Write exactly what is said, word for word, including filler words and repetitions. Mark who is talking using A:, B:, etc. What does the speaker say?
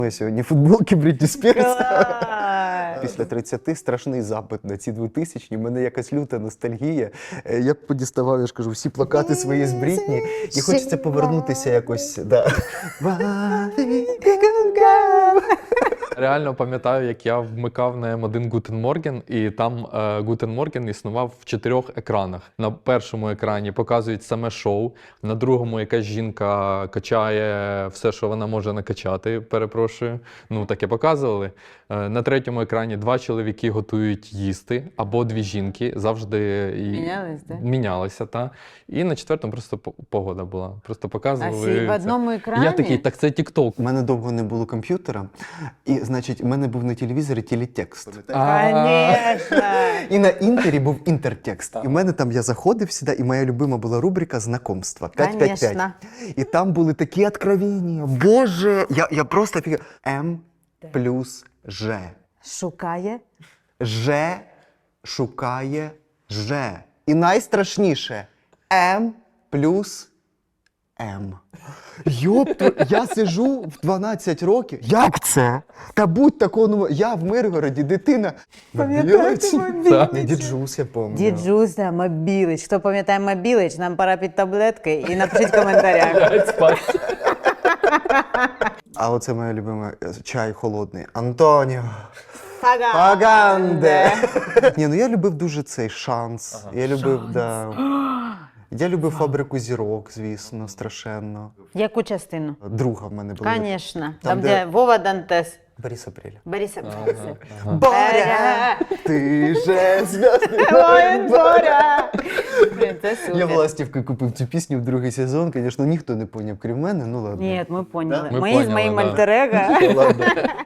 A: Я сьогодні футболки Брітні Спірс.
B: Клас!
A: Після тридцяти страшний запит на ці двотисячні. У мене якась люта ностальгія. Е, Я подіставав, я ж кажу, всі плакати свої з Брітні. І хочеться повернутися якось. Да.
C: Реально пам'ятаю, як я вмикав на ем один Guten Morgen, і там е, Guten Morgen існував в чотирьох екранах. На першому екрані показують саме шоу, на другому якась жінка качає все, що вона може накачати, перепрошую. Ну, таке показували. Е, на третьому екрані два чоловіки готують їсти, або дві жінки, завжди і...
B: Мінялись, так?
C: мінялися, та. І на четвертому просто по- погода була. Просто
B: А
C: показували.
B: всі в
C: це.
B: одному екрані?
C: Я такий, так це TikTok.
A: У мене довго не було комп'ютера, і, значить, у мене був на телевізорі телетекст.
B: Конечно!
A: І на інтері був інтертекст. І в мене там я заходив сюди, і моя любима була рубрика «Знакомства» п'ять п'ять п'ять.
B: Конечно.
A: І там були такі откровення. Боже! Я, я просто офігел. М плюс Ж.
B: Шукає.
A: Ж шукає Ж. І найстрашніше М плюс М. Йопту, я сижу в дванадцять років. Як це? Та будь такого, я в Миргороді, дитина.
B: Пам'ятаєте
A: Мобілич? Ні, Діджус, я пам'ятаю.
B: Діджуся, Мобілич. Хто пам'ятає Мобілич, нам пора під таблетки і напишіть в коментарях.
C: Спать.
A: А оце моя любима е, чай холодний. Антоніо.
B: Фаганде.
A: Фаганде. Ні, ну я любив дуже цей шанс. Я любив, да. Я любив фабрику зірок, звісно, страшенно.
B: Яку частину?
A: Друга в мене була.
B: Звісно. Там,
A: Там,
B: де...
A: де
B: Вова Дантес.
A: Борис Апреля.
B: Бориса.
A: Боря, ти же зв'язний.
B: Ой, Боря! Блін, це супер.
A: Я в Ластівки купив цю пісню в другий сезон, звісно, ніхто не поняв, крім мене, ну ладно.
B: Ні, ми поняли.
C: Ми
B: Ми з
C: поняли,
B: моїм
C: да.
B: альтер-его.
A: Ладно.